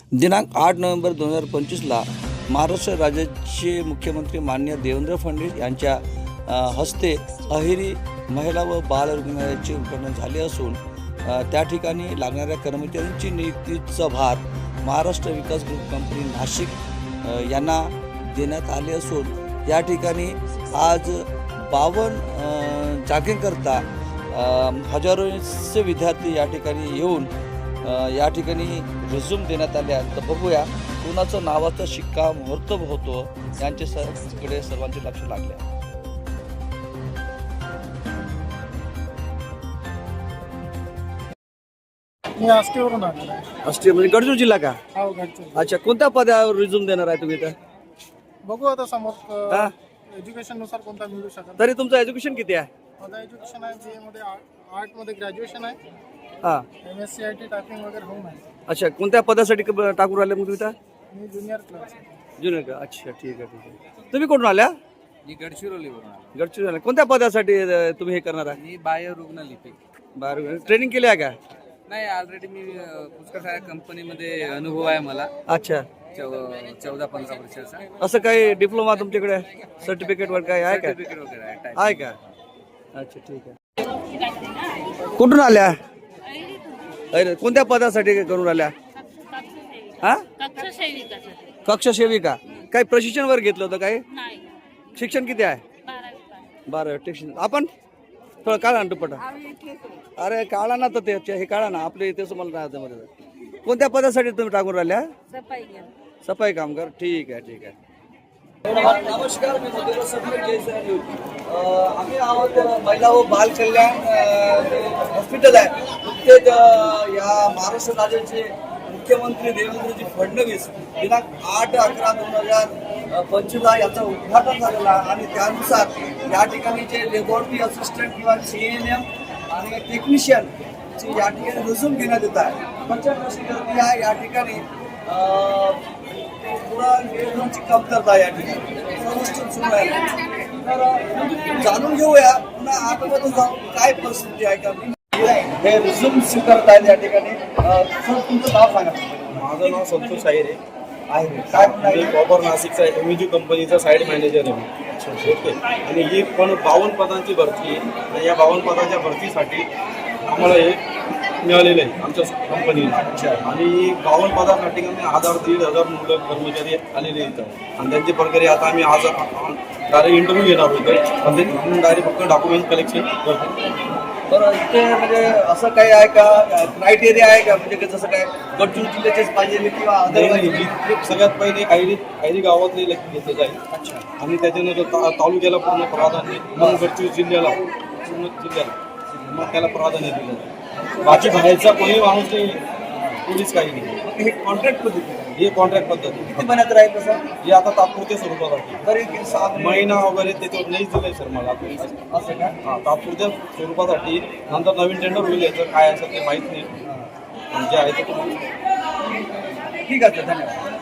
दिनांक 8 नोव्हेंबर 2025ला महाराष्ट्र राज्याचे मुख्यमंत्री माननीय देवेंद्र फडणवीस यांच्या हस्ते अहेरी महिला व बाल रुग्णालयाचे उद्घाटन झाले असून त्या ठिकाणी लागणाऱ्या कर्मचाऱ्यांची नियुक्तीचा भार महाराष्ट्र विकास ग्रुप कंपनी नाशिक यांना देण्यात आले असून या ठिकाणी आज 52 जागेकरता हजारोंचे विद्यार्थी या ठिकाणी येऊन या ठिकाणी रिझ्यूम देण्यात आले आहेत. तर बघूया कुणाचं नावाचा शिक्का मुहूर्त होतो यांचे कडे सर्वांचे लक्ष लागले आहे. मी आष्टीवरून आलेलो आहे. आष्टी म्हणजे गडचिरोली जिल्हा का? हो, गडचिरोली. अच्छा, कोणत्या पदावर रिझ्यूम देणार आहे तुम्ही इथं? बघू आता समोर हा? एज्युकेशन नुसार कोणता मिळू शकत. तरी तुमचं एज्युकेशन किती आहे? माझं एज्युकेशन आहे BA मध्ये, आर्ट मध्ये ग्रॅज्युएशन आहे. हां. MSc IT टायपिंग वगैरे होऊन आहे. अच्छा, कोणत्या पदासाठी टाकून राहिले मग तुम्ही इथं? मी ज्युनियर क्लास. जुनियर का? अच्छा, ठीक आहे. तुम्ही कुठून आल्या? मी गडचिरोलीवरून आलो. गडचिरोली. कोणत्या पदासाठी तुम्ही हे करणार आहे? मी बाह्य रुग्णलिपी. बाहेर ट्रेनिंग केली आहे का? नाही, ऑलरेडी मी पुष्कळ साऱ्या कंपनीमध्ये अनुभव आहे मला. अच्छा, 14-15 वर्षाचा असं काही डिप्लोमा तुमच्याकडे सर्टिफिकेट वर काय आहे का? सर्टिफिकेट वगैरे आहे. आहे का? अच्छा, ठीक आहे. कुठून आल्या? अरे, कोणत्या पदासाठी करून आल्या? हा? कक्ष सेविका. काही प्रशिक्षण वर घेतलं होतं काय? शिक्षण किती आहे? 12 शिक्षण. आपण थोडं काढा ना दुपट्टा. अरे काढा ना, तर ते हे काढा ना, आपले इथे मला राहते. कोणत्या पदासाठी तुम्ही टाकून राहिल्या? सफाई कामगार. ठीक आहे. नमस्कार, मी मधुकर सफर जयसर. आम्ही आहोत महिला व बाल कल्याण हॉस्पिटल आहे नुकतेच या महाराष्ट्र राज्याचे मुख्यमंत्री देवेंद्रजी फडणवीस दिनांक 8/11/2025 याचं उद्घाटन झालेलं आहे आणि त्यानुसार या ठिकाणी जे लॅबोरेटरी असिस्टंट किंवा CNM आणि टेक्निशियन या ठिकाणी रिझ्यूम घेण्यात येत आहे. प्रचंड अशी गर्दी आहे या ठिकाणी. पुरा नियोजनाची कमतरता या ठिकाणी सर्वोच्च सुरू आहे. तर जाणून घेऊया पुन्हा आतमध्ये जाऊन काय परिस्थिती आहे का. हे रिझ्यूम स्वीकारत आहेत या ठिकाणी. सर, तुमचं नाव सांगा. माझं नाव संतोष आहे. काय मी प्रॉपर नाशिकचा MUG कंपनीचा साईड मॅनेजर आहे. ओके. आणि ही पण 52 पदांची भरती आहे आणि या 52 पदाच्या भरतीसाठी आम्हाला हे मिळालेलं आहे आमच्या कंपनीला. आणि 52 पदासाठी आम्ही 1000-1500 मुलं कर्मचारी आलेले आहेत आणि त्यांचे प्रकारे आता आम्ही आज डायरेक्ट इंटरव्ह्यू घेणार होतो. पण ते डायरेक्ट फक्त डॉक्युमेंट कलेक्शन करतो. बरं, इथे म्हणजे असं काही आहे का क्रायटेरिया आहे का, म्हणजे जसं काय गडचिरोली जिल्ह्याचेच पाहिजे किंवा नाही, सगळ्यात पहिले ऐरी गावातले घेतले जाईल. अच्छा. आणि त्याच्यानंतर तालुक्याला पूर्ण प्राधान्य, मग गडचिरोली जिल्ह्याला मग त्याला प्राधान्य दिलं जाईल. बाकी बाहेरचा कोणी माणूस नाही, पोलीस काही नाही. हे कॉन्ट्रॅक्ट पद्धती हे कॉन्ट्रॅक्ट पद्धती. किती महिन्यात राहील तसं? हे आता तात्पुरत्या स्वरूपासाठी तरी 6 महिना वगैरे त्याच्यावर नाहीच दिलंय सर मला. असं का? हां, तात्पुरत्या स्वरूपासाठी. नंतर नवीन टेंडर होईल, याचं काय असेल ते माहीत नाही. जे आहे ते ठीक आहे, धन्यवाद.